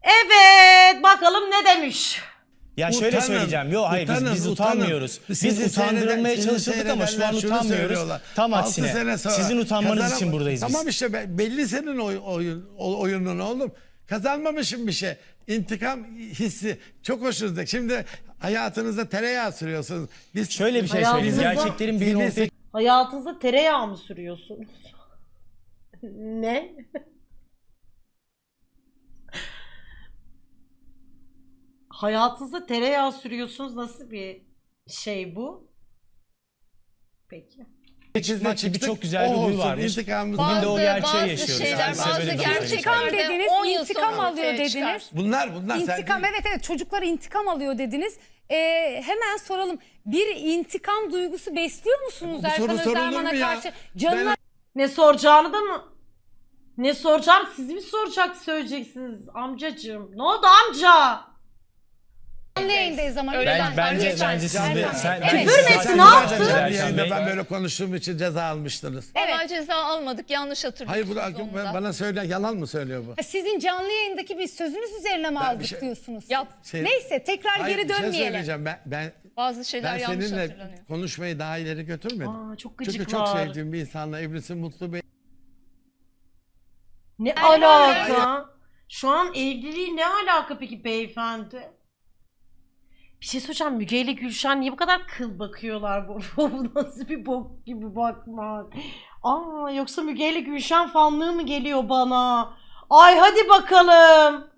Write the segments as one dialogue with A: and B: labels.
A: Evet, bakalım ne demiş.
B: Ya şöyle söyleyeceğim. Yok hayır biz utanmıyoruz. Biz utandırılmaya çalışıldık ama şu an utanmıyoruz. Tam aksine. Sizin utanmanız için buradayız biz.
C: Tamam işte belli senin oyunun oğlum. Kazanmamışım bir şey. İntikam hissi çok hoşunuzdaki. Şimdi hayatınızda tereyağı sürüyorsunuz. Biz
B: Şöyle bir şey söyleyeyim. Gerçeklerin birini ortaya
A: Hayatınızda tereyağı mı sürüyorsunuz? Ne? Hayatınızda tereyağı sürüyorsunuz. Nasıl bir şey bu? Peki.
B: çıkmak gibi çok güzel bir huy varmış. Bugün de o gerçeği yaşıyoruz.
D: Şeyler,
B: Size
D: bazı
B: böyle bir
D: gerçekler
B: şey
E: İntikam
B: söyleyeyim.
E: dediniz,
D: 10 yıl
E: intikam
D: sonra
E: alıyor
D: ortaya çıkar.
E: dediniz.
C: Bunlar
E: İntikam
C: sen
E: evet çocuklar intikam alıyor dediniz. Hemen soralım. Bir intikam duygusu besliyor musunuz
C: Bu soru
E: Erkan
C: sorulur
E: Özerman'a
C: mu ya?
E: karşı? Canına
A: Ne soracağını da mı? Ne soracağım? Siz mi söyleyeceksiniz amcacığım? Ne oldu amca?
E: canlı yayındayız ama
D: Öyle
E: lütfen.
B: Bence
E: Lütfen.
B: siz de
E: Erkan.
B: sen
E: Evet.
B: bence
A: Küfür mü
B: siz
A: ettin,
B: zaten
A: ne yaptın?
B: güzel
C: Canlı
B: Erkan
C: yayında
B: Bey.
C: ben böyle konuştuğum için ceza almıştınız.
D: Ama ceza almadık, yanlış hatırlıyorsunuz.
C: Hayır bu
D: onu da.
C: bana söyle, yalan mı söylüyor bu?
E: Sizin canlı yayındaki bir sözünüz üzerine mi
C: Ben bir
E: aldık
C: şey-
E: diyorsunuz?
D: Yap.
E: Neyse tekrar
C: Hayır,
E: geri
C: bir şey
E: dönmeyelim.
C: söyleyeceğim. Ben
D: Bazı şeyler yanlış
C: seninle
D: hatırlanıyor.
C: konuşmayı daha ileri götürmedim.
A: Aa, çok
C: Çünkü
A: gıcık
C: çok
A: var.
C: sevdiğim bir insanla evlisin, mutlu bir...
A: Ne alaka? Şu an evliliği ne alaka peki beyefendi? Bir şey soracağım. Müge ile Gülşen niye bu kadar kıl bakıyorlar bu? Bu nasıl bir bok gibi bakmak? Aa, yoksa Müge ile Gülşen fanlığı mı geliyor bana? Ay hadi bakalım.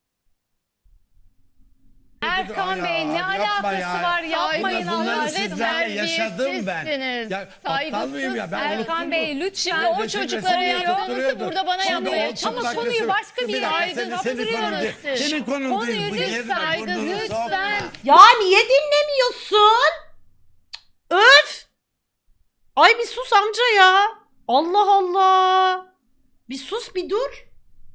E: Erkan Bey ne
C: Yapma
E: alakası
C: ya.
E: var yapmayın
C: Bunları
E: Allah
D: Saygısız,
C: sizlerle yaşadım ben.
D: terbiyesizsiniz.
C: Ya aptal mıyım ya? Ben
D: Saygısız.
E: Erkan Bey lütfen.
D: Şimdi o çocuklara yaptığınızı burada bana yapmaya
E: Ama
D: çalışıyorsunuz.
E: konuyu başka bir yere
D: saptırıyorsunuz siz.
C: Senin konun
E: Konuyu
C: değil. Bu
E: lütfen,
C: yerine burnunu
E: lütfen.
C: sokma.
A: Ya niye dinlemiyorsun? Öf! Ay bir sus amca ya. Allah Allah. Bir sus bir dur.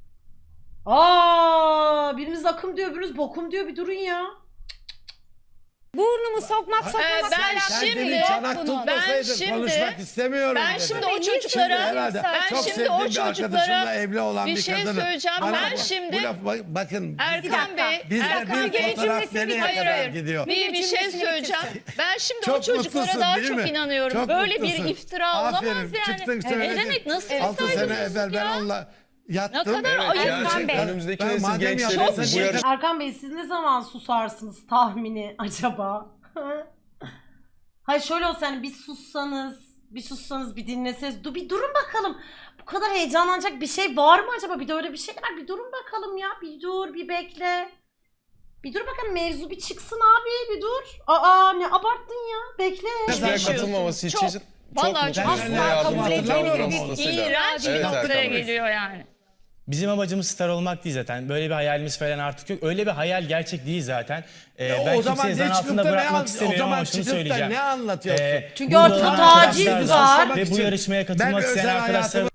A: Aa, biriniz akım diyor, biriniz bokum diyor. Bir durun ya.
E: Burnumu sokmakla
D: ben
E: alakası
D: şimdi-
C: Sen
E: yok
C: çanak
E: bunun.
C: tutmasaydın
D: şimdi-
C: konuşmak istemiyorum
D: ben
C: dedi.
D: şimdi o
E: Niye
D: çocuklara-
C: Herhalde
D: ben
C: çok
D: şimdi
C: sevdiğim
D: o
C: bir
D: çocuklara
C: arkadaşımla evli olan
D: bir
C: bir
D: şey
C: kadını.
D: söyleyeceğim.
C: Bana
D: Ben
C: bu-
D: şimdi-
C: bu laf, bakın
D: Erkan Bey,
C: bizde
E: Erkan
C: bir
E: Bey
C: fotoğraf
E: cümlesini
C: nereye
E: bitir.
C: kadar
D: Hayır,
C: gidiyor?
D: bir şey
E: Cümlesini
D: söyleyeceğim.
E: bitirsin.
D: Ben şimdi
C: Çok
D: o çocuklara
C: mutlusun,
D: daha
C: değil
D: çok
C: mi?
D: inanıyorum.
C: Çok
D: Böyle
C: mutlusun.
D: bir iftira
C: Aferin,
D: olamaz yani.
C: çıktın
D: Ne
C: söyledin.
D: demek, nasıl bir
C: 6 sene
D: saygısızlık
C: evvel ben
D: ya?
C: onunla yattım.
D: Ne kadar ayıp.
E: Erkan Bey.
F: Önümüzdeki
C: Ben
F: nesil
C: madem
F: gençlerin
C: yapıyorsun,
F: bu yarış
A: Erkan Bey siz ne zaman susarsınız tahmini acaba? Hayır şöyle olsa hani bir sussanız bir dinleseniz. Bir durun bakalım. Bu kadar heyecanlanacak bir şey var mı acaba? Bir de öyle bir şey var. Bir durun bakalım ya. Bir dur, bir bekle. Bir dur bakalım mevzu bir çıksın abi. Bir dur. Aa ne abarttın ya. Bekle.
F: buraya katılmaması için
D: Çok.
F: çok
D: Vallahi
F: mutlu
D: çok
F: sizinle
E: asla
F: yardımcı
E: kabul
F: olacağım
E: edilemez
F: durum
E: bir
F: olmasıyla.
D: İğrenç bir
F: Evet,
D: noktaya
F: Erkan Bey.
D: geliyor yani.
B: Bizim amacımız star olmak değil zaten. Böyle bir hayalimiz falan artık yok. Öyle bir hayal gerçek değil zaten. Ben
C: o zaman
B: kimseyi zan
C: ne çıkıp
B: altında
C: da
B: bırakmak
C: o
B: istemiyorum
C: zaman
B: ama şunu
C: çıkıp da
B: söyleyeceğim.
C: ne anlatıyorsun?
A: Çünkü
B: burada
A: ortada
B: olan
A: taciz
B: arkadaşlar
A: var.
B: ve bu yarışmaya katılmak isteyen
C: özel
B: arkadaşlar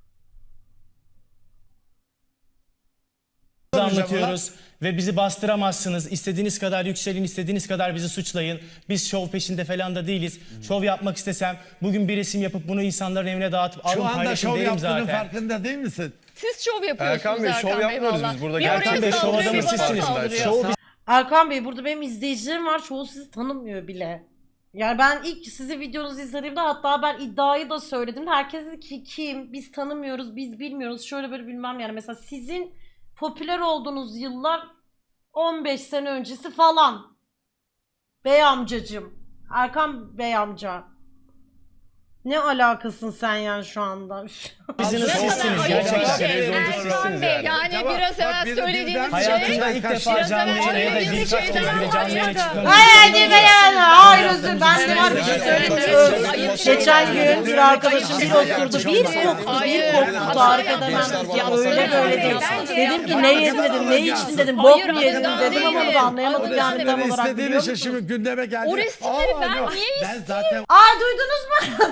B: anlatıyoruz ve bizi bastıramazsınız. İstediğiniz kadar yükselin, istediğiniz kadar bizi suçlayın. Biz şov peşinde falan da değiliz. Şov yapmak istesem bugün bir resim yapıp bunu insanların evine dağıtıp alın
C: Şu anda
B: paylaşın
C: şov
B: derim
C: yaptığının
B: zaten.
C: farkında değil misin?
D: Siz şov yapıyorsunuz
F: Erkan Bey, şov yapmıyoruz
D: valla.
F: biz burada.
D: Bir oraya
B: Erkan Bey, şov
D: saldırıyor,
B: adamı
D: bir bana
B: sizsiniz.
D: saldırıyor.
B: Şov
A: Erkan Bey burada benim izleyicilerim var. Çoğu sizi tanımıyor bile. Yani ben ilk sizi videonuzu izlediğimde hatta ben iddiayı da söyledim. Herkes dedi ki kim? Biz tanımıyoruz, biz bilmiyoruz. Şöyle böyle bilmem yani. Mesela sizin popüler olduğunuz yıllar 15 sene öncesi falan. Bey amcacım. Erkan Bey amca. Ne alakasın sen yani şu anda?
B: Biziniz
D: Ne kadar
B: sizsiniz.
D: ayıp
B: Gerçekten.
D: bir şey.
F: Televizyoncu sizsiniz yani.
D: Yani
C: Tamam,
D: biraz
C: bak
D: evvel
C: bir-
D: söylediğiniz
C: birden-
D: şey...
B: Hayatımda ilk defa
D: Biraz
B: canlı
D: evvel
B: yayına ya da
D: söylediğiniz
B: birkaç kez
D: şeyden
B: bile canlı yayına çıkmamı
A: Hayır yani. Hayır
B: Yaptığımız
A: özür ben de var bir şey
F: Yani
A: söyleyeyim.
D: ayıp
A: Geçen
D: şeyler.
A: gün bir arkadaşım bir osurdu. Bir koktu,
D: Hayır.
A: bir koktu. Tarif edemem
F: Gençler
A: size.
F: bana
A: Öyle
F: basın
A: böyle değil.
D: Bence
A: Dedim ki
D: yapma.
A: ne yedin dedim, ne içtin dedim, bok
D: Hayır,
A: mu yedin
D: hayır,
A: dedim ama onu da anlayamadım
D: hayır.
A: yani tam olarak
C: İstediğin
A: biliyor
C: için
A: musunuz?
C: şimdi gündeme geldi.
D: O resimleri ben
C: yok.
D: niye
C: Ben zaten
A: Aa duydunuz mu?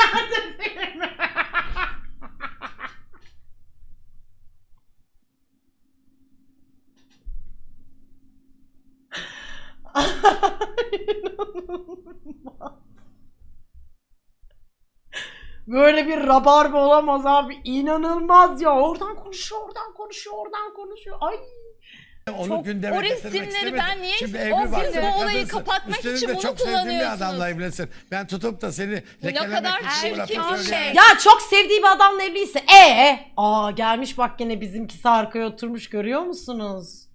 A: Böyle bir rabarba olamaz abi. İnanılmaz ya. Oradan konuşuyor, oradan konuşuyor, oradan konuşuyor. Ay.
C: Onu
E: Çok-
C: gündeme
D: o
C: getirmek
D: resimleri
C: istemedim.
D: ben niye-
C: Şimdi
D: o
C: evli
D: siz
C: barklı
D: bu
C: bir
D: olayı
C: kadınsın.
D: kapatmak
C: Üstelik
D: için
C: de
D: bunu
C: çok sevdiğim bir
D: kullanıyorsunuz.
C: adamla evlensin. Ben tutup da seni lekelemek
D: kadar
C: için bu lafı
D: çirkin
C: söyleyemem.
D: şey.
A: Ya çok sevdiği bir adamla evliyse gelmiş bak gene bizimkisi arkaya oturmuş görüyor musunuz?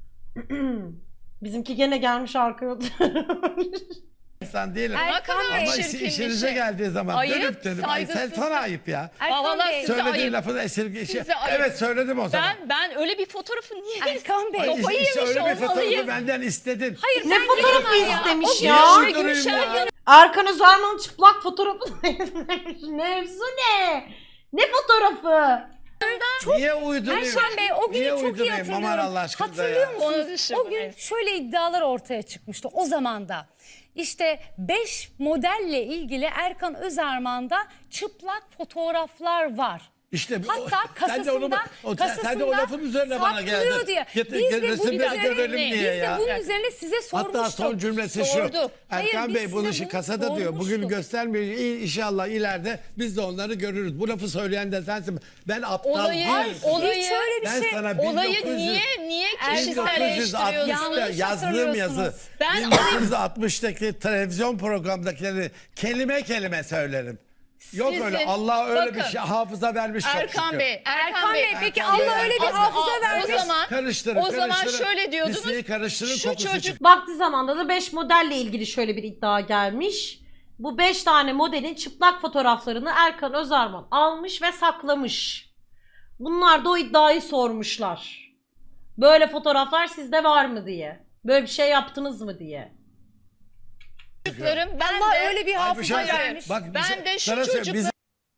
A: Bizimki gene gelmiş arkaya oturmuş.
C: İnsan değilim.
E: Erkan
C: Ama
E: Bey.
D: çirkin bir
C: işinize
D: şey.
C: geldiği zaman
D: Ayıp,
C: ay sen
D: saygısızlık.
C: sana ayıp ya.
E: Erkan
D: Vallahi
E: Bey.
D: size
C: Söylediğin
D: ayıp.
C: lafı da esirge.
D: Size ayıp.
C: Evet söyledim o zaman.
D: Ben öyle bir fotoğrafı niye
E: Erkan Bey.
C: Ay,
D: kafayı
C: işte
D: yemiş
C: öyle bir fotoğrafı
D: olmalıyım.
C: benden istedin.
E: Hayır
A: Ne
E: ben
A: fotoğrafı
E: gelemem ya.
A: istemiş
E: O gün
A: ya?
C: Niye
D: Gülşen
C: uydurayım ya?
A: Erkan Özarman'ın çıplak fotoğrafı mevzu ne? Ne fotoğrafı?
C: Niye uydurayım?
E: Erkan Bey o günü
C: Niye
E: çok iyi
C: uydurayım?
E: hatırlıyorum.
C: Aman Allah aşkına
E: Hatırlıyor
C: ya.
E: musunuz?
D: Konuşun,
E: O gün
D: evet.
E: şöyle iddialar ortaya çıkmıştı o zaman da. İşte 5 modelle ilgili Erkan Özarman'da çıplak fotoğraflar var.
C: İşte
E: Hatta
C: sen de onu- sen de o lafın üzerine bana geldin.
E: saklıyor diye.
C: Getir,
E: Biz de bunun
C: resimleri
E: üzerine,
C: görelim diye
E: biz de
C: ya.
E: bunun üzerine size sormuştuk.
C: Hatta son cümlesi şu.
D: Sordu.
E: Hayır,
C: Erkan
E: biz
C: Bey bunu
E: size
C: işi
E: bunu
C: kasada diyor. Bugün
E: sormuştuk.
C: göstermiyor. İnşallah ileride biz de onları görürüz. Bu lafı söyleyen de sensin. Ben aptal
D: Olayı-
C: değilim.
E: Hiç öyle bir
C: Ben
E: şey.
C: sana
D: Olayı
C: 1900
D: niye
E: Erkan Bey,
D: kişiselleştiriyorsunuz?
C: 1960'ta
E: Yanlış
C: yazdığım yazı.
E: hatırlıyorsunuz.
D: Ben
C: 1960'daki televizyon programdakileri kelime kelime söylerim. Yok
D: Sizin-
C: öyle Allah öyle bir
D: bakın,
C: şey hafıza vermiş çok
D: Erkan
C: şükür.
D: Bey,
E: Erkan Bey peki
C: Erkan Bey,
E: Allah öyle bir
C: Erkan
E: hafıza
D: Bey.
E: vermiş.
C: Karıştırın,
D: o zaman
C: karıştırın.
D: şöyle diyordunuz.
C: Listeyi karıştırın,
D: Şu
C: kokusu
D: çocuk
C: çıksın.
A: Vakti zamanda da 5 modelle ilgili şöyle bir iddia gelmiş. Bu 5 tane modelin çıplak fotoğraflarını Erkan Özarman almış ve saklamış. Bunlar da o iddiayı sormuşlar. Böyle fotoğraflar sizde var mı diye. Böyle bir şey yaptınız mı diye.
D: çocuklarım ben
E: Allah
D: de
E: öyle bir
C: Ay, bir
E: hafıza
C: şey-
E: vermiş.
C: Bak, bir
D: Ben
C: şey-
D: de şu
C: sana söyle,
D: çocuklar-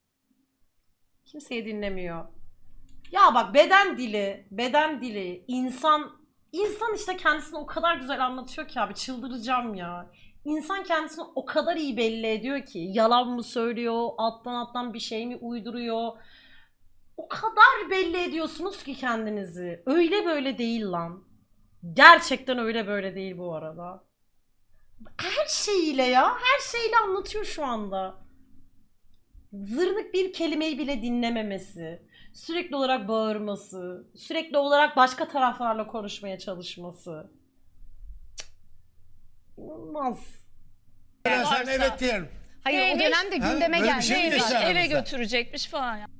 A: Kimseyi dinlemiyor. Ya bak beden dili insan işte kendisini o kadar güzel anlatıyor ki abi çıldıracağım ya. İnsan kendisini o kadar iyi belli ediyor ki yalan mı söylüyor, alttan bir şey mi uyduruyor. O kadar belli ediyorsunuz ki kendinizi. Öyle böyle değil lan. Gerçekten öyle böyle değil bu arada. Her şeyiyle ya, her şeyle anlatıyor şu anda. Zırnık bir kelimeyi bile dinlememesi, sürekli olarak bağırması, sürekli olarak başka taraflarla konuşmaya çalışması. Cık. İnanılmaz.
C: Ben sen
D: varsa-
C: evet diyelim.
E: Hayır o
D: Neymiş?
E: dönemde
C: Ha,
E: gündeme
C: böyle bir
E: geldi.
C: şey mi
D: neymiş,
C: geçti
D: eve
C: aranızda?
D: götürecekmiş falan. Ya.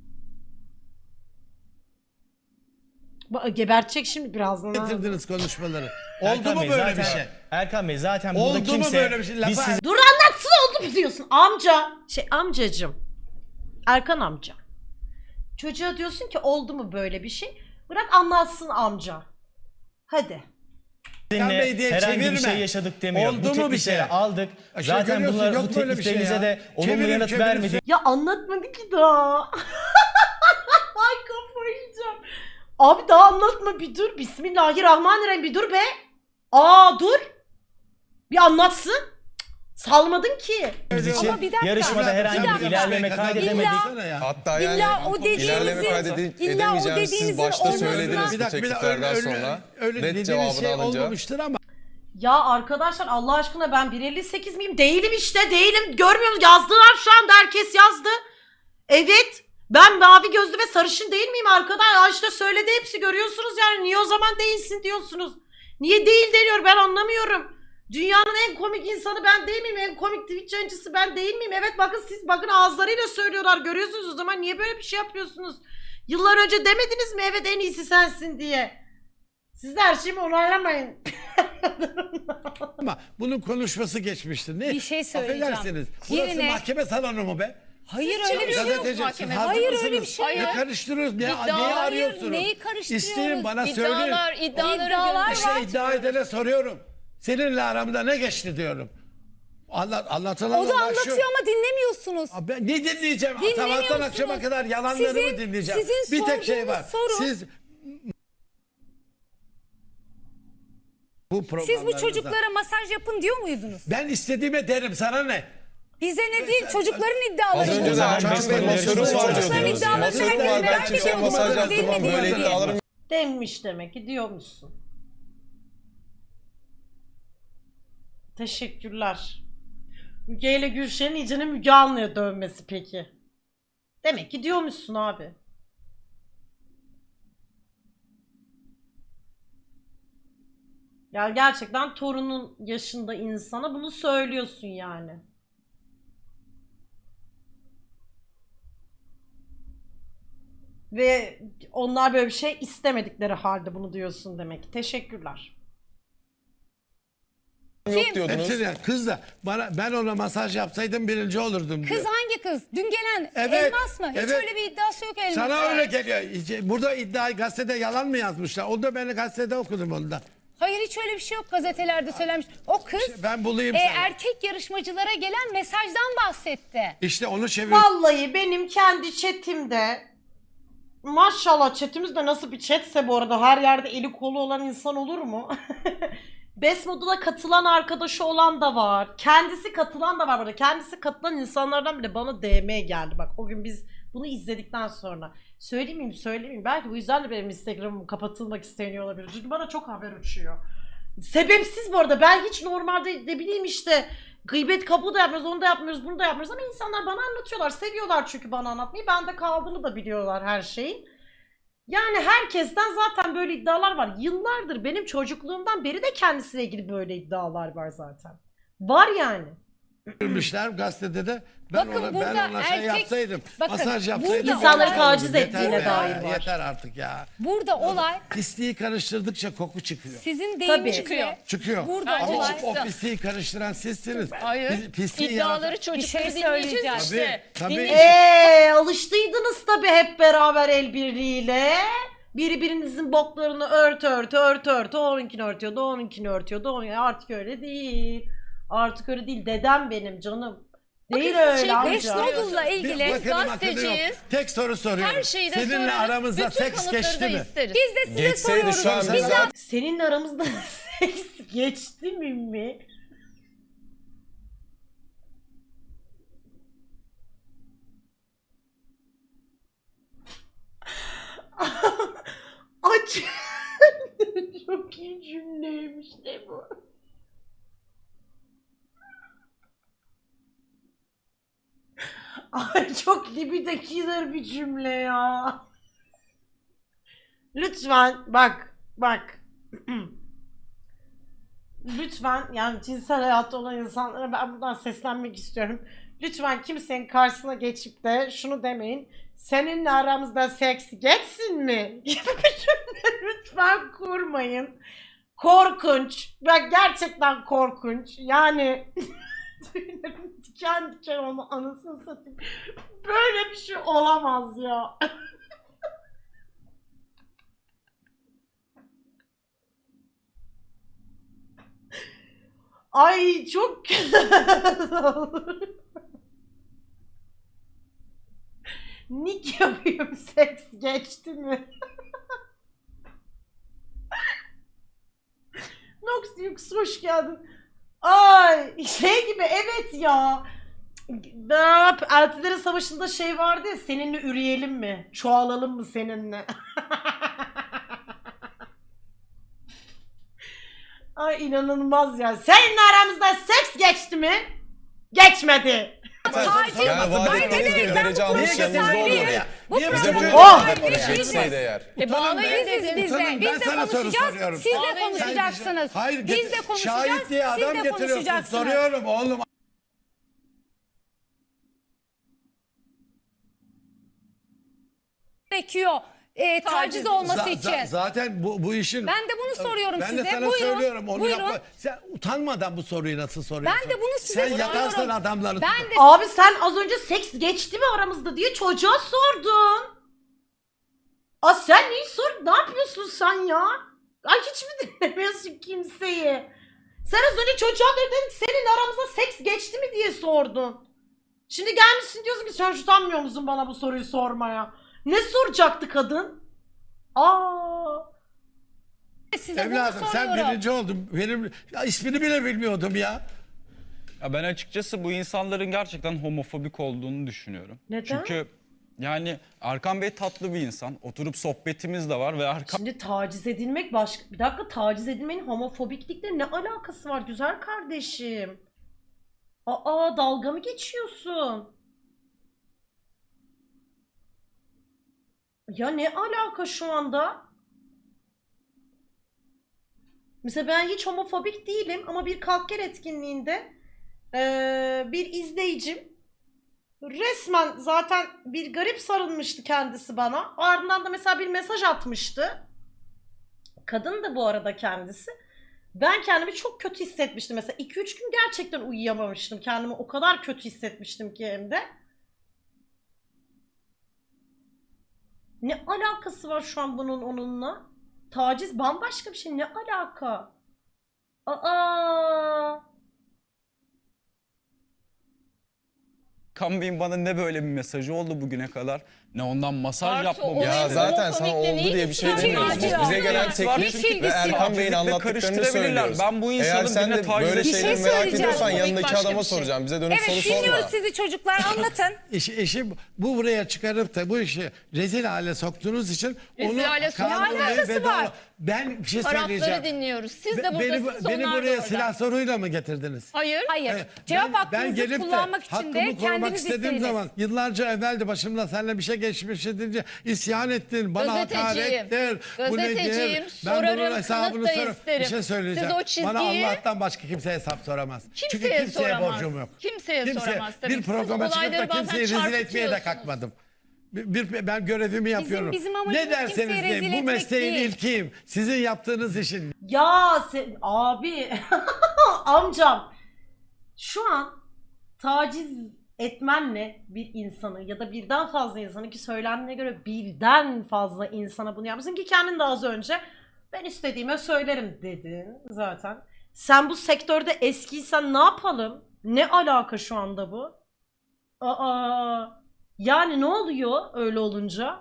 A: Gebertecek şimdi birazdan. ha.
C: Getirdiniz konuşmaları. Oldu
B: Erkan
C: mu
B: Bey,
C: böyle
B: zaten-
C: bir şey?
B: Erkan Bey zaten
C: Oldu
B: burada
C: mu
B: kimse
C: böyle bir şey?
B: biz
C: Lafa-
B: sizi
A: Dur anlatsın oldu mu diyorsun amca. Amcacım. Erkan amca. Çocuğa diyorsun ki oldu mu böyle bir şey? Bırak anlatsın amca. Hadi.
C: Erkan Bey diye
B: herhangi bir
C: çevirme.
B: şey yaşadık demiyor.
C: Oldu
B: Bu
C: mu bir
B: teklifleri
C: şey?
B: aldık.
C: Aşağı
B: Zaten
C: görüyorsun,
B: bunlar,
C: yok
B: bu
C: böyle bir şey
B: tekliflerinize
C: ya.
B: de olumlu
C: Çevirip
B: yanıt
C: çevirip
B: vermedi.
A: Ya anlatmadı ki daha. Ay kafayı yiyeceğim. Abi daha anlatma bir dur. Bismillahirrahmanirrahim bir dur be. Dur. Bir anlatsın. Cık, salmadın ki.
B: Biz için
E: Ama bir dakika.
B: yarışmada herhangi bir ilerleme kaydedemedik.
F: Hatta yani
E: İlla o
F: ilerleme kaydedemeyeceğimizi siz başta
E: olmasına-
F: söylediniz bu tekliflerden sonra.
C: öyle
F: Net
C: dediğiniz
F: cevabını
C: şey
F: alınca.
C: olmamıştır ama
A: Ya arkadaşlar Allah aşkına ben 1.58 miyim? Değilim işte değilim. Görmüyor musunuz? Yazdılar şu anda herkes yazdı. Evet. Ben mavi gözlü ve sarışın değil miyim arkadaşlar? İşte söyledi hepsi görüyorsunuz yani. Niye o zaman değilsin diyorsunuz? Niye değil deniyor ben anlamıyorum. Dünyanın en komik insanı ben değil miyim? En komik Twitch yayıncısı ben değil miyim? Evet bakın siz bakın ağızlarıyla söylüyorlar görüyorsunuz o zaman niye böyle bir şey yapıyorsunuz? Yıllar önce demediniz mi evet en iyisi sensin diye. Siz de her şeyimi onaylamayın.
C: bunun konuşması geçmiştir. Ne?
E: Bir şey söyleyeceğim.
C: Affedersiniz. Burası
E: Birine-
C: mahkeme salonu mu be?
E: Hayır
D: Siz
E: öyle bir şey yok.
D: çalışıyorsunuz
C: Gazeteci, siz
D: mahkemede.
C: hazır
E: Hayır,
C: mısınız?
E: öyle bir şey
C: Ne
D: yok.
C: karıştırıyoruz? Neyi
D: İddia-
C: arıyorsunuz?
E: neyi karıştırıyoruz?
C: İsteyin bana söyleyin.
D: İddiaları
E: İddialar var.
C: İşte iddia edene soruyorum. Seninle aramda ne geçti diyorum. Anlatılan
E: O da
C: olay şu.
E: anlatıyor ama dinlemiyorsunuz.
C: Abi ben ne dinleyeceğim?
E: Dinlemiyorsunuz.
C: Sabahtan akşama kadar yalanları mı dinleyeceğim?
E: sizin
C: Bir tek şey var.
E: sorduğunuz soru-
C: Siz bu
E: Siz bu
C: programlarınızda-
E: çocuklara masaj yapın diyor muydunuz?
C: Ben istediğime derim sana ne?
E: Bize ne değil çocukların
F: Az
E: iddiaları.
F: önce de
E: bunlar.
F: Erkan Bey masörüm var
E: Çocukların
F: diyordunuz.
E: iddialarını
F: Masörüm
E: herkes
F: var ben
E: merak
F: kimseye
E: ediyor.
F: masaj
E: Değil mi,
F: yaptırmam
E: değil mi
F: böyle
E: diye.
F: iddialarım
A: Demiş demek ki diyormuşsun. Teşekkürler. Müge ile Gülşen'in iyicene Müge Anlı'ya dövmesi peki. Demek ki diyormuşsun abi. Ya gerçekten torunun yaşında insana bunu söylüyorsun yani. Ve onlar böyle bir şey istemedikleri halde bunu diyorsun demek ki. Teşekkürler.
F: Yok diyordunuz.
C: Hepsini kız da ben ona masaj yapsaydım birinci olurdum diyor.
E: Kız hangi kız? Dün gelen
C: Evet,
E: Elmas mı? Hiç
C: evet.
E: öyle bir iddiası yok Elmas'ın.
C: Sana öyle geliyor. Burada iddiayı gazetede yalan mı yazmışlar? O da beni gazetede okudum onu da.
E: Hayır hiç öyle bir şey yok gazetelerde söylenmiş. O kız
C: Ben bulayım sana.
E: erkek yarışmacılara gelen mesajdan bahsetti.
C: İşte onu çevir.
A: Vallahi benim kendi chatimde, maşallah chatimiz de nasıl bir chatse bu arada, her yerde eli kolu olan insan olur mu? Besmodul'a katılan arkadaşı olan da var. Kendisi katılan da var burada. Kendisi katılan insanlardan bile bana DM geldi. Bak o gün biz bunu izledikten sonra. Söyleyeyim mi? Belki bu yüzden de benim Instagram'ım kapatılmak isteniyor olabilir. Çünkü bana çok haber uçuyor. Sebepsiz bu arada. Ben hiç normalde ne bileyim işte gıybet kapı da yapmıyoruz, onu da yapmıyoruz, bunu da yapmıyoruz. Ama insanlar bana anlatıyorlar. Seviyorlar çünkü bana anlatmayı. Bende kaldığını da biliyorlar her şeyin. Yani herkesten zaten böyle iddialar var. Yıllardır benim çocukluğumdan beri de kendisiyle ilgili böyle iddialar var zaten. Var yani.
C: Çevirmişler gazetede de. Ben
E: Bakın
C: ona,
E: burada
C: ben ona şey
E: erkek-
C: yapsaydım.
E: bakın,
C: Masaj
E: burada
C: yapsaydım.
A: İnsanları
C: olay
A: taciz
C: olurdu.
A: ettiğine
C: Yeter be,
A: dair var.
C: Yeter artık ya.
E: Burada olay
C: Pisliği karıştırdıkça koku çıkıyor.
E: sizin
A: Tabii.
E: deyiminizle
D: Çıkıyor.
C: Çıkıyor.
E: burada
D: Bence
E: olay
D: çıksın.
C: O pisliği karıştıran sizsiniz.
D: Hayır.
C: Pisliği
D: İddiaları
C: yaratan-
D: çocukları
E: şey
D: dinleyeceğiz
E: söyleyeceğim.
D: işte.
C: Tabii.
D: Dinleyeceğiz.
A: Alıştıydınız tabii hep beraber el birliğiyle. Birbirinizin boklarını örtü. Onunkini örtüyordu, onunkini örtüyordu. Artık öyle değil. Artık öyle değil. Dedem benim canım. Değil
D: Bakın siz
A: öyle
D: şey-
A: amca.
E: Besmodul'la
C: Bir
E: ilgili
C: bakalım akıllı yok.
D: gazeteciyiz.
C: Tek soru soruyorum.
D: Her şeyi de
C: Seninle
D: sorarız.
C: aramızda
D: Bütün
C: seks
D: kanıtları
C: geçti
D: da
C: mi?
D: isteriz.
E: biz de size
F: Geçseydi
E: soruyoruz.
F: şu an
C: Biz-
F: zaten
A: Senin aramızda seks geçti mi? Aç. Çok iyi cümleymiş de bu. Ay çok libido killer bir cümle ya. Lütfen bak. Lütfen yani cinsel hayatta olan insanlara ben buradan seslenmek istiyorum. Lütfen kimsenin karşısına geçip de şunu demeyin. Seninle aramızda seks geçsin mi? Gibi bir cümle lütfen kurmayın. Korkunç. Bak gerçekten korkunç. Yani tüylerim diken diken onu anasını satayım. Böyle bir şey olamaz ya. Ay çok Nick yapıyorum, seks geçti mi? Nox hoş geldin. Ay şey gibi evet ya. Eltilerin Savaşı'nda şey vardı ya, seninle üreyelim mi? Çoğalalım mı seninle? Ay inanılmaz ya. Seninle aramızda seks geçti mi? Geçmedi.
F: yani vaat ettiğiniz derece almış yanınızda olur.
E: Bu
C: Niye
F: Bize bunu
C: böyle-
E: program-
F: yapmadı. Geçseydi eğer.
D: Bağlayın
E: Biziz
D: dedim.
E: biz de.
C: Utanın,
E: Biz
C: ben
E: de
C: sana soru
E: konuşacağız.
C: soruyorum.
E: Siz de
D: Bağlayın
E: konuşacaksınız.
C: Hayır,
E: Biz de konuşacağız.
C: şahit diye
E: Siz
C: adam
E: de
C: getiriyorsun.
E: konuşacaksınız.
C: Soruyorum oğlum.
E: Gerekiyor taciz olması için.
C: Zaten bu işin...
E: Ben de bunu soruyorum
C: ben
E: size.
C: de sana
E: Buyurun,
C: söylüyorum. Onu
E: buyurun.
C: yapma. Sen utanmadan bu soruyu nasıl soruyorsun?
E: Ben de bunu size
C: Sen
E: soruyorum.
C: yatarsın adamları.
E: Ben de
A: Abi sen az önce seks geçti mi aramızda diye çocuğa sordun. Aa sen neyi sor? Ne yapıyorsun sen ya? Ay hiç mi dinlemiyorsun kimseyi? Sen az önce çocuğa dedin ki senin aramızda seks geçti mi diye sordun. Şimdi gelmişsin diyorsun ki sen utanmıyor musun bana bu soruyu sormaya? Ne soracaktı kadın? Aa.
E: size bunu
C: Evladım sen
E: soruyorum.
C: birinci oldun. Benim ismini bile bilmiyordum ya.
G: Ya ben açıkçası bu insanların gerçekten homofobik olduğunu düşünüyorum.
A: Neden?
G: Çünkü yani Erkan Bey tatlı bir insan. Oturup sohbetimiz de var ve Erkan
A: Şimdi taciz edilmek başka... Bir dakika, taciz edilmenin homofobiklikle ne alakası var güzel kardeşim? Aa dalga mı geçiyorsun? Ya ne alaka şu anda? Mesela ben hiç homofobik değilim ama bir kalk gel etkinliğinde bir izleyicim resmen zaten bir garip sarılmıştı kendisi bana. Ardından da mesela bir mesaj atmıştı. Kadın da bu arada kendisi. Ben kendimi çok kötü hissetmiştim. Mesela 2-3 gün gerçekten uyuyamamıştım. Kendimi o kadar kötü hissetmiştim ki hem de. Ne alakası var şu an bunun onunla? Taciz bambaşka bir şey. Ne alaka? Aa!
G: Erkan Bey'in bana ne böyle bir mesajı oldu bugüne kadar, ne ondan masaj
D: Artı
G: yapmamı
D: o-
F: Ya
G: istedi.
F: zaten sana
D: homofobikle
F: oldu
D: ne
F: diye bir şey
D: ilgisi var?
F: demiyoruz.
E: Hiç
F: Bize gelen
E: ilgisi
D: var.
F: teklif
E: Hiç
F: ve
E: ilgisi
F: Erkan
E: yok.
F: Bey'in
G: Bizi de
F: anlattıklarını
G: karıştırabilirler.
F: söylüyoruz.
G: Ben bu insanın
F: Eğer sen
G: birine
F: de
G: taciz
F: böyle
G: Bir şey
F: şeyleri merak
E: söyleyeceğim.
F: ediyorsan
D: Homofobik
F: yanındaki
D: başka
F: adama
D: bir şey.
F: soracağım. Bize dönüp
E: Evet,
F: soru sorma.
E: dinliyoruz sizi çocuklar, anlatın.
C: İşi bu buraya çıkarıp da bu işi rezil hale soktuğunuz için
D: Rezil hale
C: kanuni
E: sokmadık. Ne alakası
C: ve
E: var?
C: doğru- Ben bir şey
D: Tarafları
C: söyleyeceğim.
D: dinliyoruz. Siz de
C: Beni,
D: buradasınız,
C: beni
D: onlar da
C: buraya
D: orada.
C: silah soruyla mı getirdiniz?
D: Hayır.
E: Hayır.
C: Evet,
E: Cevap
C: ben
E: hakkınızı
C: gelip de
E: kullanmak için
C: hakkımı
E: de
C: korumak
E: kendiniz
C: istediğim
E: istediniz.
C: zaman yıllarca evvel de başımdan seninle bir şey geçmiş edince isyan ettin. Bana
D: Gazeteciyim.
C: hakarettir. Bu nedir?
D: Gazeteciyim,
C: Ben bunun
D: sorarım,
C: hesabını
D: kanıt da
C: sorarım.
D: isterim.
C: Bir şey söyleyeceğim.
D: Siz o
C: Bana
D: çizgiyi-
C: Allah'tan başka kimse hesap soramaz. Çünkü
D: Kimseye
C: kimseye
D: soramaz.
C: borcum yok.
D: Kimseye soramaz tabii.
C: Bir
D: Siz
C: programa çıkıp da
D: olayları bazen
C: kimseyi rezil etmeye de
D: çarpıtıyorsunuz.
C: kalkmadım. Ben görevimi yapıyorum.
E: bizim amacımız
C: ne derseniz
E: kimseyi rezil
C: deyin bu
E: etmek
C: mesleğin
E: değil.
C: ilkiyim. Sizin yaptığınız işin
A: Ya sen abi amcam şu an taciz etmenle bir insanı ya da birden fazla insanı, ki söylendiğine göre birden fazla insana bunu yapmışsın ki kendin de az önce ben istediğime söylerim dedin zaten. Sen bu sektörde eskiysen ne yapalım? Ne alaka şu anda bu? Aa, yani ne oluyor öyle olunca?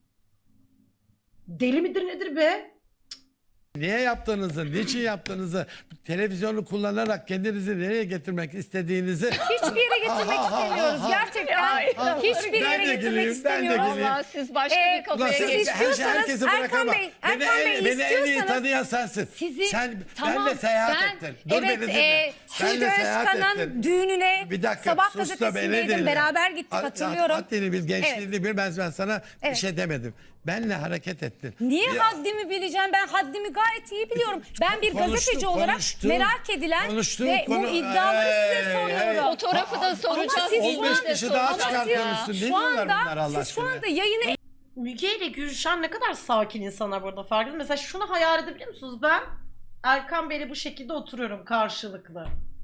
A: Deli midir nedir be?
C: niye yaptığınızı, niçin yaptığınızı, televizyonu kullanarak kendinizi nereye getirmek istediğinizi
E: Hiçbir yere getirmek istemiyoruz gerçekten.
D: Hayır.
E: Hiçbir
C: Ben
E: yere
C: de
E: getirmek
C: geleyim, ben de
E: istemiyoruz.
C: geleyim.
D: Vallahi siz başka bir
C: Ulan
D: kafaya
E: siz
C: sen
D: geçtiniz.
C: herkesi
E: Erkan
C: bırakamam.
E: Bey,
C: Beni,
E: Erkan Bey,
C: beni en iyi
E: istiyorsanız-
C: tanıyan sensin.
E: Sizi
C: Sen
E: tamam,
C: benle seyahat
E: ben,
C: ettin. Dur beni dinle.
E: Suudi
C: Benle seyahat
E: Özkan'ın
C: ettin.
E: düğününe
C: Bir dakika
E: Sabah
C: sus da beni
E: gazetesindeydim,
C: dinle.
E: beraber gittik, hatırlıyorum.
C: Haddini bil, gençliğini bil, ben sana bir
E: Evet.
C: şey demedim. Benle hareket ettin.
E: Niye
C: Ya-
E: haddimi bileceğim? Ben haddimi gayet iyi biliyorum. Ben bir
C: Konuştuk,
E: gazeteci olarak
C: konuştuk.
E: merak edilen
C: Konuştuk,
E: ve bu iddiaları size soruyorum.
D: Fotoğrafı da soracağız.
E: siz şu
C: 15
E: an-
C: kişi daha
E: Ama
C: çıkartmışsın. Ne
E: Şu
C: diyorlar
E: anda,
C: bunlar Allah
E: siz şu
C: aşkına?
E: anda yayını
A: Müge ile Gülşen ne kadar sakin insanlar burada, farkında. Mesela şunu hayal edebiliyor musunuz? Ben Erkan Bey'le bu şekilde oturuyorum karşılıklı.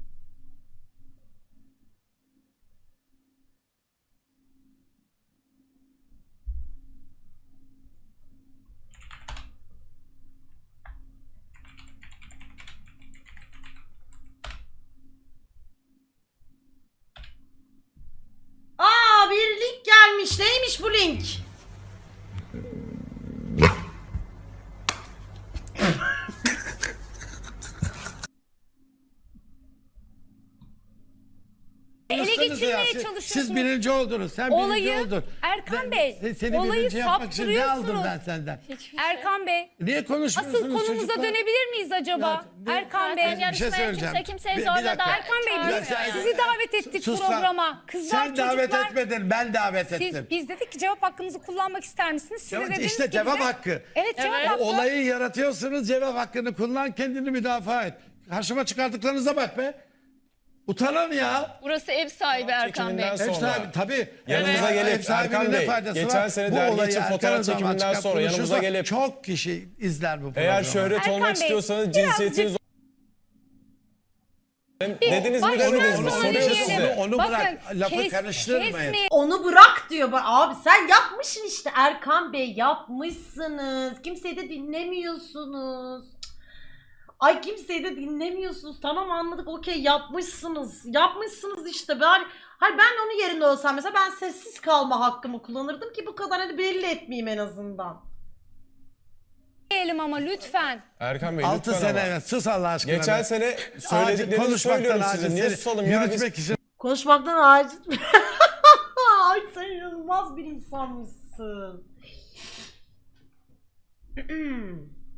A: Aa, bir link gelmiş. Neymiş bu link?
E: ele
C: Konuşsanıza
E: geçirmeye
C: ya.
E: çalışıyorsunuz.
C: Siz birinci oldunuz. Sen birinci
E: Olayı
C: oldun.
E: Erkan Bey,
C: Seni
E: olayı
C: birinci yapmak için ne aldım ben
E: saptırıyorsunuz.
C: senden?
E: Erkan Bey,
C: Niye konuşmuyorsunuz
E: asıl konumuza
C: çocuklar?
E: dönebilir miyiz acaba?
C: Ya,
E: Erkan Bey,
D: Zaten
C: Bir şey
D: yarışmaya
C: söyleyeceğim.
D: kimse kimseyi
C: Bir
D: zorla
C: dakika.
D: da
E: Erkan Bey biz
C: Ya sen-
E: sizi davet ettik
C: Sus lan.
E: programa. Kızlar,
C: Sen davet
E: çocuklar,
C: etmedin, ben davet ettim.
E: biz dedik ki cevap hakkınızı kullanmak ister misiniz? Siz de
C: Evet,
E: dediniz
C: işte
E: ki
C: cevap
E: bize-
C: hakkı.
E: Evet, cevap
D: Evet.
E: hakkı.
C: Olayı yaratıyorsunuz, cevap hakkını kullan, kendini müdafaa et. Karşıma çıkardıklarınıza bak be. Utanın ya.
D: Burası ev sahibi Erkan Bey.
F: Çekiminden
C: Ev
F: sonra.
C: sahibi tabii.
F: Yanımıza
C: Ev
F: gelip
C: sahibinin
F: Erkan
C: ne
F: Bey
C: faydası
F: geçen
C: var?
F: sene
C: Bu
F: dergi
C: olayı
F: için
C: Erkan
F: fotoğraf
C: Özalman
F: çekiminden
C: çıkıp
F: sonra yanımıza
C: konuşursa
F: gelip
C: çok kişi izler bu programı.
F: eğer şöhret
E: Erkan
F: olmak
E: Bey,
F: istiyorsanız
E: birazcık-
F: cinsiyetiniz dediniz mi
E: Baştan
F: demediniz mi?
E: sona
F: Soruyoruz
E: dinleyelim.
F: size.
C: Onu
E: Bakın,
C: bırak, lafı karıştırmayın.
E: kesmeyin.
A: Onu bırak diyor. Abi sen yapmışsın işte Erkan Bey, yapmışsınız. Kimseyi de dinlemiyorsunuz. Ay kimseyi de dinlemiyorsunuz. Tamam anladık, okey, yapmışsınız. Yapmışsınız işte. Hayır, ben onun yerinde olsam mesela ben sessiz kalma hakkımı kullanırdım ki bu kadar hani belli etmeyeyim en azından.
E: Diyelim ama lütfen.
F: Erkan Bey
C: 6
F: lütfen
C: sene
F: ama.
C: evet, sus Allah aşkına.
F: Geçen
C: be.
F: sene
C: Acil
F: söylediklerinizi
C: konuşmaktan
F: söylüyorum
C: acil
F: size. Niye
C: seni
F: susalım ya? Biz
C: yürütmek için
A: Konuşmaktan aciz. Ay sen inanılmaz bir insanmışsın.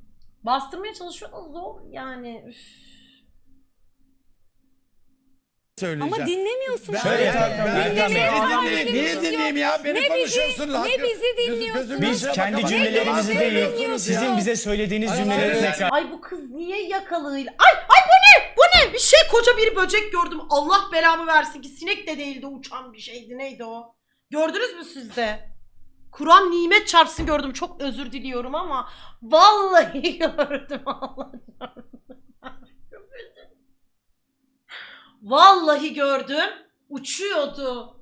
A: Bastırmaya çalışıyor da zor yani. Üf.
C: söyleyeceğim.
E: Ama dinlemiyorsunuz.
B: Şöyle Hakan Bey,
E: Dinlemeye
B: Hakan Bey,
E: tahammülünüz
C: Niye
E: yok.
C: dinleyeyim ya? Beni
E: Ne
C: konuşuyorsunuz.
E: bizi, ne bizi dinliyorsunuz.
B: Biz kendi
C: Ne
B: cümlelerimizi
C: bizi
B: değil,
C: dinliyorsunuz
B: sizin
C: ya?
B: bize söylediğiniz
C: Ay,
B: cümleleri
C: evet.
B: tekrar.
A: Ay bu kız niye yakalığıyla... Ay bu ne? Bu ne? Bir şey koca bir böcek gördüm. Allah belamı versin ki sinek de değildi, uçan bir şeydi. Neydi o? Gördünüz mü siz de? Kur'an nimet çarpsın gördüm. Çok özür diliyorum ama vallahi gördüm. Allah çarpsın. Vallahi gördüm. Uçuyordu.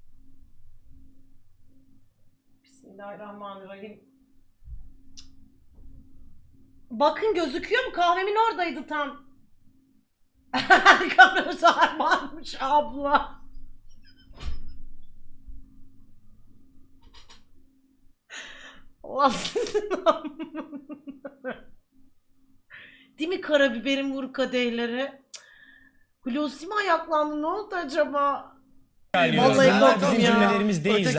A: Bismillahirrahmanirrahim. Bakın gözüküyor mu? Kahvemin oradaydı tam. Karılar varmış abla. Allah sizin değil mi karabiberin vur kadehleri? Hulusi mi ayaklandı? Ne oldu acaba? Vallahi
B: Bunlar
A: korktum
B: bizim
A: ya.
B: cümlelerimiz değil.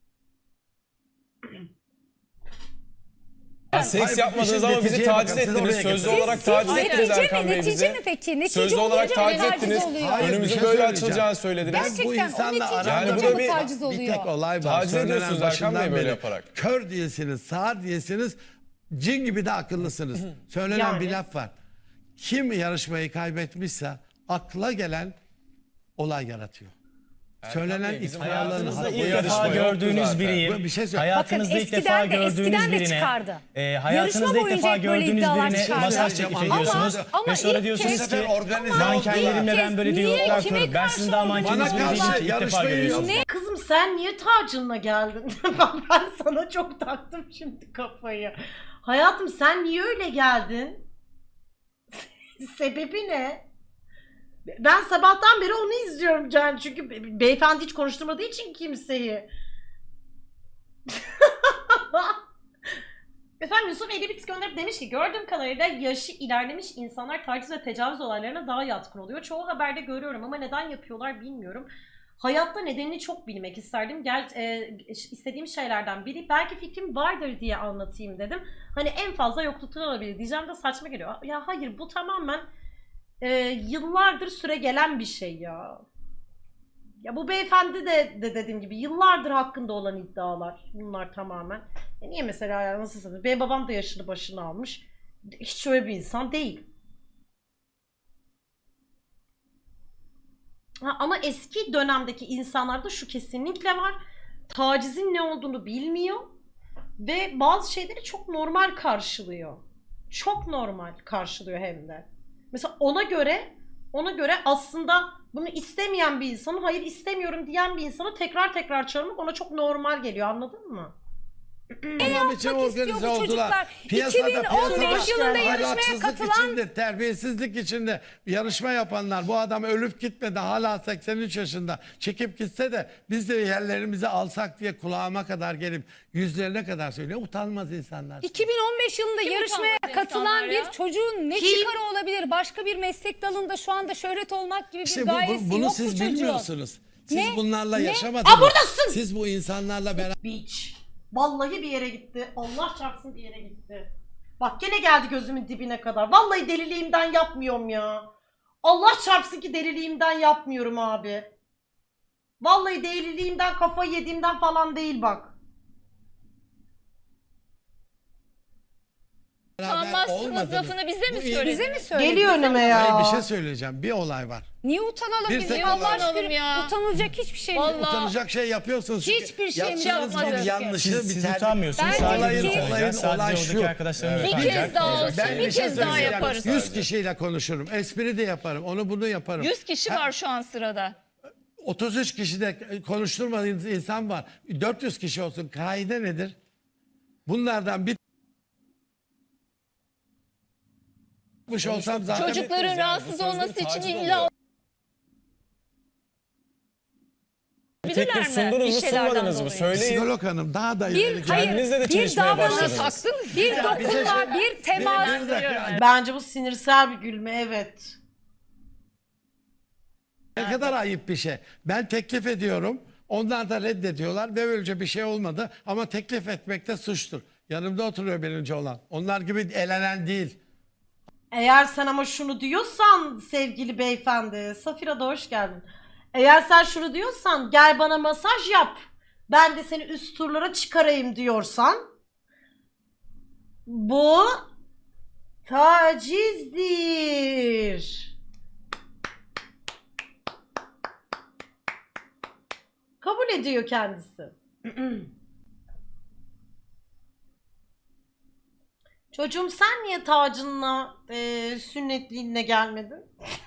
F: Ya seks yapmadınız ama bizi
C: neticeye
F: taciz
C: bakın, siz
F: ettiniz.
C: oraya
F: Sözlü
C: getirin.
F: olarak taciz ettiniz Erkan Bey
E: Netice mi
F: bizi.
E: peki? Netice
F: Sözlü olarak
E: olunca mı
F: taciz ettiniz.
E: oluyor?
C: Hayır, bir
F: Önümüzü
C: şey
F: böyle
C: söyleyeceğim.
F: açılacağını söylediniz.
E: Gerçekten
C: Bu
E: o
C: insanla
E: netice
C: aramda
F: olunca
E: mı
F: bir-
E: taciz
C: bir
E: oluyor?
C: tek olay var.
F: Taciz
C: Söylenen
F: ediyorsunuz Erkan Bey
C: başından
F: böyle
C: beri.
F: yaparak.
C: Kör değilsiniz, sağır değilsiniz, cin gibi de akıllısınız. Söylenen
A: Yani.
C: bir laf var. Kim yarışmayı kaybetmişse akla gelen olay yaratıyor. Söylenen
F: Bey, bizim
C: iftiralların
B: Hayatınızda
C: hakkı-
B: ilk
F: yarışma
B: defa
F: yoktu
B: gördüğünüz
F: zaten.
B: biriyim.
C: Bir şey söyle.
B: Hayatınızda
E: Bakın
B: ilk defa gördüğünüz
E: eskiden de
B: birine.
E: çıkardı.
B: Hayatınızda
E: Yarışma
B: ilk defa
E: boyunca hep böyle
B: gördüğünüz
E: iddialar
B: birine
E: çıkardı.
B: masaj teklif
C: Ama-
B: ediyorsunuz.
E: ama
B: Ve sonra
E: ilk
B: diyorsunuz
E: kez-
C: Bu sefer
B: ki
C: organize
B: mankenlerimle ben böyle
E: Niye,
B: diyaloglar
E: kime
B: kuruyorum. Ben
E: karşı
B: sizin daha
E: olduğunu
B: mankeniniz
C: Bana
B: bile değil
C: karşı
B: ki ilk defa
C: yarışmayı
B: görüyorsunuz.
C: yok.
A: Kızım sen niye tacınla geldin? Ben sana çok taktım şimdi kafayı. Hayatım sen niye öyle geldin? Sebebi ne? Ben sabahtan beri onu izliyorum Can. Çünkü beyefendi hiç konuşturmadığı için kimseyi. Efendim Yusuf Elibit gönderip demiş ki gördüğüm kadarıyla yaşı ilerlemiş insanlar taciz ve tecavüz olaylarına daha yatkın oluyor. Çoğu haberde görüyorum ama neden yapıyorlar bilmiyorum. Hayatta nedenini çok bilmek isterdim. İstediğim şeylerden biri. Belki fikrim vardır diye anlatayım dedim. Hani en fazla yokluktan olabilir diyeceğim de saçma geliyor. Ya hayır bu tamamen yıllardır süre gelen bir şey ya. Ya bu beyefendi de dediğim gibi yıllardır hakkında olan iddialar bunlar tamamen. Niye mesela ya nasıl sanırım? Benim babam da yaşını başını almış. Hiç öyle bir insan değil. Ama eski dönemdeki insanlarda şu kesinlikle var. Tacizin ne olduğunu bilmiyor. Ve bazı şeyleri çok normal karşılıyor. Çok normal karşılıyor hem de. Mesela ona göre aslında bunu istemeyen bir insanın hayır istemiyorum diyen bir insana tekrar çağırmak ona çok normal geliyor, anladın mı?
C: Tamam için
E: yapmak istiyor
C: organize
E: bu
C: oldular.
E: çocuklar?
C: Piyasada
E: 2015 yılında yarışmaya
C: ahlaksızlık
E: katılan-
C: içinde, terbiyesizlik içinde yarışma yapanlar, bu adam ölüp gitmedi hala 83 yaşında çekip gitse de biz de yerlerimizi alsak diye kulağıma kadar gelip yüzlerine kadar söylüyor. Utanmaz insanlar.
E: 2015 yılında
D: Kim
E: yarışmaya
D: utanmaz
E: katılan
D: insanlar
E: bir
D: ya?
E: çocuğun ne
A: Kim?
E: çıkarı olabilir? Başka bir meslek dalında şu anda şöhret olmak gibi bir
C: İşte
E: gayesi
C: bunu
E: yok bu
C: siz
E: çocuğun.
C: bilmiyorsunuz. Siz
E: Ne?
C: bunlarla
E: Ne?
C: yaşamadınız.
A: buradasın!
C: Siz bu insanlarla beraber
A: Bitch. Vallahi bir yere gitti. Allah çarpsın bir yere gitti. Bak gene geldi gözümün dibine kadar. Vallahi deliliğimden yapmıyorum ya. Allah çarpsın ki deliliğimden yapmıyorum abi. Vallahi deliliğimden kafayı yediğimden falan değil bak.
D: Utanmazsınız
C: olmadınız.
D: lafını bize mi
C: Bu-
D: söylediniz?
E: Bize mi söyledi?
A: Geliyor önüme ya.
C: Hayır, bir şey söyleyeceğim. Bir olay var.
E: Niye utanalım
C: Bir
E: biz?
C: tek
E: Allah
C: olay-
E: aşkına
D: Utanalım ya.
E: utanılacak hiçbir şey yok.
D: Vallahi.
C: Utanacak şey yapıyorsunuz. çünkü
E: Hiçbir şeyimiz
C: yaptığınız
D: yapmadık.
C: bir yanlışı
B: Siz
C: bir terbiye-
B: utanmıyorsunuz.
E: Ben
B: Sadece
E: olayın-
B: biz utanacağız.
C: olayın-
B: Sadece
C: olay
B: oradaki
C: şu.
B: arkadaşlarımız
F: Evet.
D: Bir
B: utanacak.
D: kez daha olsun,
C: Ben
D: bir
C: bir şey
D: kez daha
C: söyleyeceğim.
D: yaparız.
C: 100 kişiyle konuşurum. Espri de yaparım. Onu bunu yaparım.
D: 100 kişi var şu an sırada.
C: 33 kişi de konuşturmadığınız insan var. 400 kişi olsun. Kaide nedir? Bunlardan bir olsam zaten
D: Çocukların
F: yani.
D: rahatsız
F: Bu sözde
D: olması için
F: taciz
D: illa
F: oluyor.
D: bilirler
F: Teklif
D: mi?
F: sundunuz
D: Bir
F: mu
D: şeylerden
F: sunmadınız mı?
D: dolayı.
F: Söyleyin.
C: psikolog hanım daha da
E: Bir,
C: ileri
E: hayır,
F: Kendinizle de
E: bir
F: çalışmaya
E: davranış,
F: başladınız.
E: bir dokunma, bir temas.
C: Bir dakika.
A: Bence bu sinirsel bir gülme, evet.
C: Ne kadar ayıp bir şey. Ben teklif ediyorum. Onlar da reddediyorlar ve böylece bir şey olmadı. Ama teklif etmek de suçtur. Yanımda oturuyor birinci olan. Onlar gibi elenen değil.
A: Eğer sen ama şunu diyorsan sevgili beyefendi, Safira da hoş geldin. Eğer sen şunu diyorsan gel bana masaj yap. Ben de seni üst turlara çıkarayım diyorsan bu tacizdir. Kabul ediyor kendisi. Çocuğum sen niye tacınla sünnetliğinle gelmedin?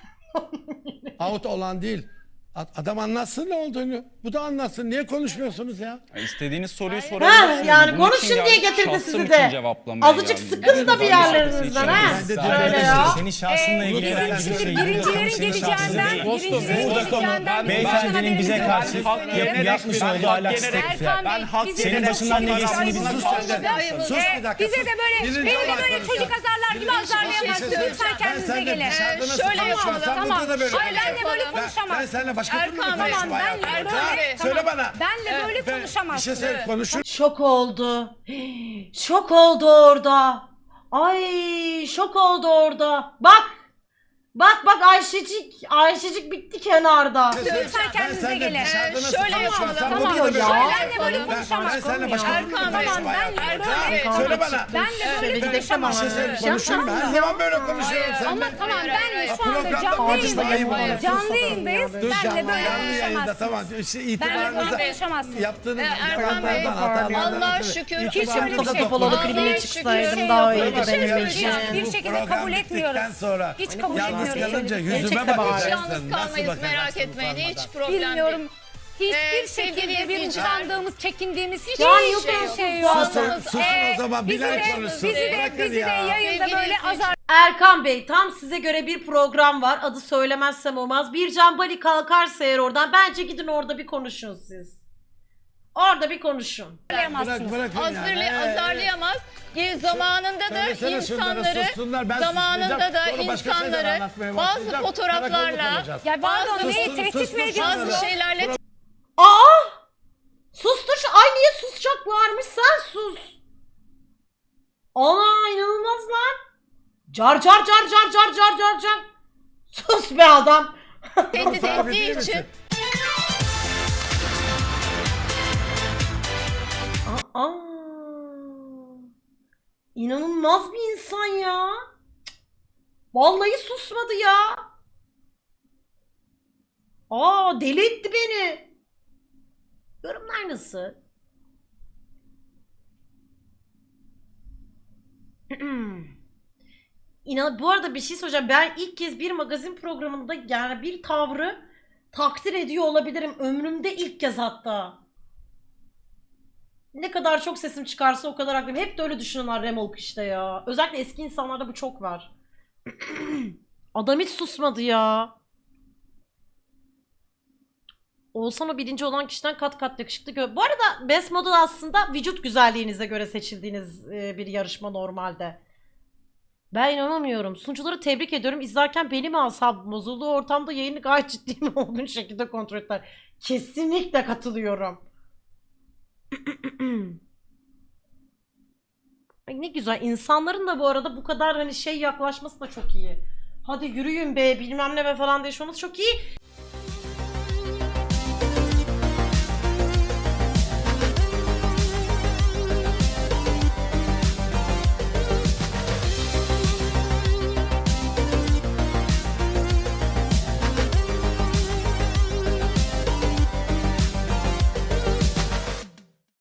C: Out olan değil. Adam anlatsın ne olduğunu. Bu da anlatsın. Niye konuşmuyorsunuz ya?
G: Ya İstediğiniz soruyu
A: Ha,
G: sorabilirsiniz.
A: yani
G: Bunun için
A: konuşun diye
G: geldim,
A: getirdi
G: şahsım
A: sizi
G: için
A: de.
G: cevaplamaya
A: Azıcık
G: geldim.
A: sıkın da bir yerlerinizden ha.
C: Ben de
A: Öyle ya.
B: Senin şahsınla ilgili
E: Bizim
B: herhangi bir
E: şimdi
B: şey
E: birincilerin
B: senin şahsın değil.
E: birincilerin geleceğinden
B: Beyefendinin bize karşı yapmış olduğu ahlaksız teklifler.
E: Erkan Bey, bize
B: Senin
E: de
B: başından ne
E: çok
B: geçtiğini
E: güzel
B: biz
E: konuşuyor.
C: sus bir dakika,
E: Bize
C: sus.
E: de böyle,
C: Birinci
E: beni de
C: olarak
E: böyle
C: konuşalım.
E: çocuk azarlar gibi azarlayamazsın. Lütfen kendinize gelin.
D: Şöyle yapalım.
E: Tamam.
C: Burada da böyle
E: Hayır benle böyle
C: Ben
E: konuşamazsın.
C: seninle başka türlü
D: Erkan Bey,
C: konuşurum
E: Tamam benle
C: hayatım.
D: Erkan
E: böyle.
D: Bey,
C: Söyle bana.
E: Benle böyle
C: Bir şey
E: konuşamazsın.
C: söyle konuşur.
A: Şok oldu. Şok oldu orada. Ay şok oldu orada. Bak. Bak Ayşecik bitti kenarda.
E: Lütfen kendinize gelin.
D: Şöyle yapalım.
E: Tamam.
A: oluyor ya?
E: Benle böyle
C: Ben
E: konuşamazsın.
C: seninle başka türlü
D: Erkan Bey,
C: konuşurum hayatım.
D: Erkan Bey.
C: Söyle bana.
E: Benle böyle
A: Bir dakika ama.
C: Bir şey söyle konuşurum. Her zaman böyle konuşuyorum
E: Ama
C: seninle.
E: tamam benle şu
C: Programda
E: anda canlı
C: konuşma, ayıp olur.
E: yayındayız. Canlı yayındayız.
C: Dur
E: Benle
C: canlı
E: böyle
C: yayında tamam.
E: konuşamazsın.
C: İşte
E: Benle
C: itibarınıza
E: böyle konuşamazsın.
C: yaptığınız
D: Erkan Bey, Allah şükür.
E: Hiç öyle bir
A: Mustafa
E: şey yok.
A: Topaloğlu
D: Allah
A: klibine
D: şükür.
A: çıksaydım daha iyiydi
E: Bir şey
A: benim
E: söyleyeceğim.
A: için.
E: Bir şekilde kabul etmiyoruz. Hiç kabul
C: Yalnız
E: etmiyoruz.
C: kalınca
A: Gerçekten
C: yüzüme
A: bak.
C: bakacaksın.
D: Hiç yalnız
C: Nasıl
D: kalmayız
C: bakacaksın
D: merak etmeyin.
C: utanmadan?
D: Hiç problem
E: Bilmiyorum.
D: değil.
E: Hiçbir
D: sevgili
E: şekilde bir
D: izleyiciler.
E: utandığımız, çekindiğimiz hiçbir
A: Yani
E: şey yok.
C: Susun o zaman
E: Bizi
C: Bilal
E: de,
C: konuşsun.
E: bizi de yayında
D: Sevgili
E: böyle
D: izleyiciler.
E: azar
A: Erkan Bey tam size göre bir program var. Adı söylemezsem olmaz. Bircan Bali kalkarsa eğer oradan bence gidin orada bir konuşun siz. Orada bir konuşun.
E: azarlayamazsınız.
C: Bırakın yani.
D: Azarlayamaz. Zamanında da
C: Söylesene şunları,
D: insanları
C: sussunlar, ben
D: zamanında
C: susmayacağım.
D: da
C: Sonra başka şeyler
D: insanları
C: anlatmaya
D: bazı
C: başlayacağım.
D: fotoğraflarla
C: Karakolluk olacağız.
E: Ya pardon
D: Bazı-
E: neyi
C: Sus,
E: tehdit
C: sus,
E: mi
C: sus,
E: ediyorsunuz?
D: bazı şeylerle
A: Aa! Sustur şu. Ay niye susacaklarmış? Sen sus. Ana inanılmaz lan. Car car car car car car car car. Sus be adam.
D: tehdit
C: Sahibi değil
D: ettiği
C: misin?
D: için
A: Aa. İnanılmaz bir insan ya. Vallahi susmadı ya. Aa deli etti beni. Yorumlar nasıl? Bu arada bir şey söyleyeceğim. Ben ilk kez bir magazin programında yani bir tavrı takdir ediyor olabilirim. Ömrümde ilk kez hatta. Ne kadar çok sesim çıkarsa o kadar haklıyım. Hep de öyle düşünüyorlar remolk işte ya. Özellikle eski insanlarda bu çok var. Adam hiç susmadı ya. Oğuzhan o birinci olan kişiden kat kat yakışıklı. Bu arada Best Model aslında vücut güzelliğinize göre seçildiğiniz bir yarışma normalde. Ben inanamıyorum. Sunucuları tebrik ediyorum. İzlerken benim asabım bozuldu. Ortamda yayını gayet ciddi mi olduğunu şekilde kontrol ettiler. Kesinlikle katılıyorum. Ay ne güzel. İnsanların da bu arada bu kadar hani şey yaklaşması da çok iyi. Hadi yürüyün be bilmem ne be falan diye şu olması çok iyi.